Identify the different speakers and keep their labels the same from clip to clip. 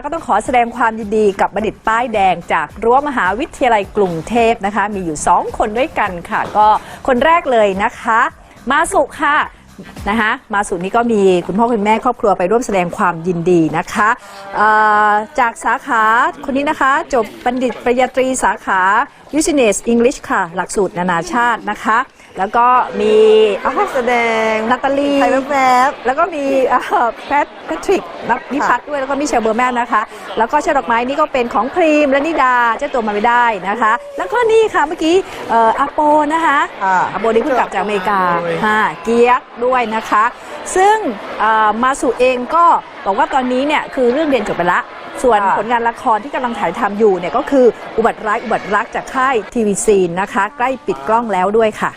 Speaker 1: ก็ต้องขอแสดงความยินดีกับบัณฑิตป้ายแดงจากรั้วมหาวิทยาลัยกรุงเทพนะคะมีอยู่2คนด้วยกันค่ะก็คนแรกเลยนะคะมาสุค่ะนะคะมาสุนี้ก็มีคุณพ่อคุณแม่ครอบครัวไปร่วมแสดงความยินดีนะคะจากสาขาคนนี้นะคะจบบัณฑิตปริญญาตรีสาขา Business English ค่ะหลักสูตรนานาชาตินะคะแล้วก็มี
Speaker 2: แสดง
Speaker 1: นาตาลี
Speaker 2: ไทยแวบ
Speaker 1: แล้วก็มีแพทริกนิพัฒน์ด้วยแล้วก็มิเชลเบอร์แมนนะคะแล้วก็ช่อดอกไม้นี่ก็เป็นของพรีมและนิดาเจ้าตัวมาไม่ได้นะคะแล้วก็นี่ค่ะเมื่อกี้อาโปนะคะอาโปนี่เพิ่งกลับจากอเมริกาเกียกด้วยนะคะซึ่งมาสู่เองก็บอกว่าตอนนี้เนี่ยคือเรื่องเรียนจบไปละส่วนผลงานละครที่กำลังถ่ายทำอยู่เนี่ยก็คืออุบัติรักจากค่ายทีวีซีนนะคะใกล้ปิดกล้องแล้วด้วยค่ะ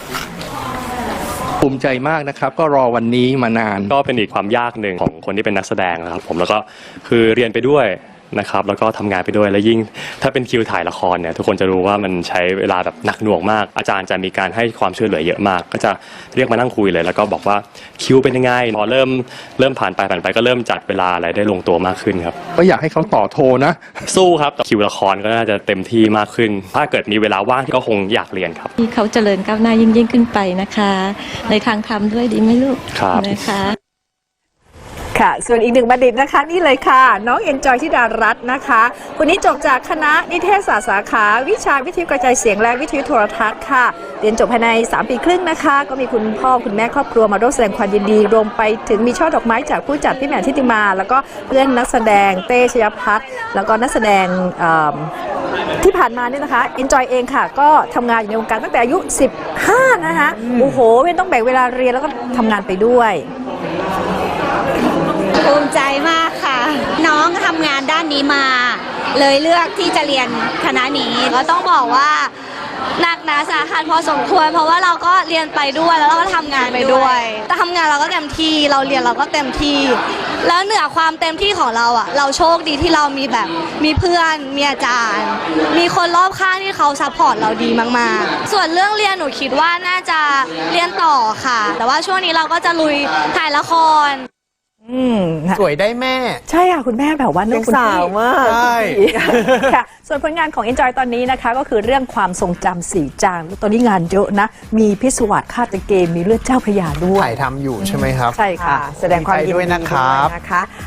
Speaker 3: ภูมิใจมากนะครับก็รอวันนี้มานาน
Speaker 4: ก็เป็นอีกความยากหนึ่งของคนที่เป็นนักแสดงนะครับผมแล้วก็คือเรียนไปด้วยนะครับแล้วก็ทำงานไปด้วยและยิ่งถ้าเป็นคิวถ่ายละครเนี่ยทุกคนจะรู้ว่ามันใช้เวลาแบบหนักหน่วงมากอาจารย์จะมีการให้ความช่วยเหลือเยอะมากก็จะเรียกมานั่งคุยเลยแล้วก็บอกว่าคิวเป็นยังไงพอเริ่มผ่านไปก็เริ่มจัดเวลาอะไรได้ลงตัวมากขึ้นครับ
Speaker 3: ก็อยากให้เขาต่อโทนะ
Speaker 4: สู้ครับคิวละครก็น่าจะเต็มที่มากขึ้นถ้าเกิดมีเวลาว่างก็คงอยากเรียนครับ
Speaker 5: ที่เขาเจริญก้าวหน้ายิ่งขึ้นไปนะคะในทางธรรมด้วยดีไหมลูก
Speaker 4: ครับ
Speaker 5: นะคะ
Speaker 1: ค่ะส่วนอีกหนึ่งบัณฑิตนะคะนี่เลยค่ะน้องเอ็นจอยธิดารัตน์นะคะคนนี้จบจากคณะนิเทศศาสตร์สาขาวิชาวิทยุกระจายเสียงและวิทยุโทรทัศน์ค่ะเรียนจบภายใน3 ปีครึ่งนะคะก็มีคุณพ่อคุณแม่ครอบครัวมาร่วมแสดงความยินดีรวมไปถึงมีช่อดอกไม้จากผู้จัดพี่แหม่มทิติมาแล้วก็เพื่อนนักแสดงเต้ชยพัฒน์แล้วก็นักแสดงที่ผ่านมาเนี่ยนะคะเอ็นจอยเองค่ะก็ทำงานอยู่ในวงการตั้งแต่อายุ15นะคะโอ้โหไม่ต้องแบ่งเวลาเรียนแล้วก็ทำงานไปด้วย
Speaker 6: ภูมิใจมากค่ะน้องทำงานด้านนี้มาเลยเลือกที่จะเรียนคณะนี้ก็ต้องบอกว่าหนักหนาสาหัสพอสมควรเพราะว่าเราก็เรียนไปด้วยแล้วเราก็ทำงานไปด้วยแต่ทำงานเราก็เต็มที่เราเรียนเราก็เต็มที่แล้วเหนือความเต็มที่ของเราอ่ะเราโชคดีที่เรามีเพื่อนมีอาจารย์มีคนรอบข้างที่เขาซัพพอร์ตเราดีมากๆส่วนเรื่องเรียนหนูคิดว่าน่าจะเรียนต่อค่ะแต่ว่าช่วงนี้เราก็จะลุยถ่ายละคร
Speaker 2: สวยได้แม่
Speaker 1: ใช่ค่ะคุณแม่แบบว่า
Speaker 2: น้องสาวมาก
Speaker 1: ใช่ค่ะส่วนผลงานของ Enjoy ตอนนี้นะคะก็คือเรื่องความทรงจำสีจางตอนนี้งานเยอะนะมีพิศวาสฆาตเกมมีเลือดเจ้าพระยาด้วย
Speaker 2: ถ่ายทำอยู่ใช่ไหมครับ
Speaker 1: ใช่ค่ะ
Speaker 2: แสดงความยินดีด้วยนะครับ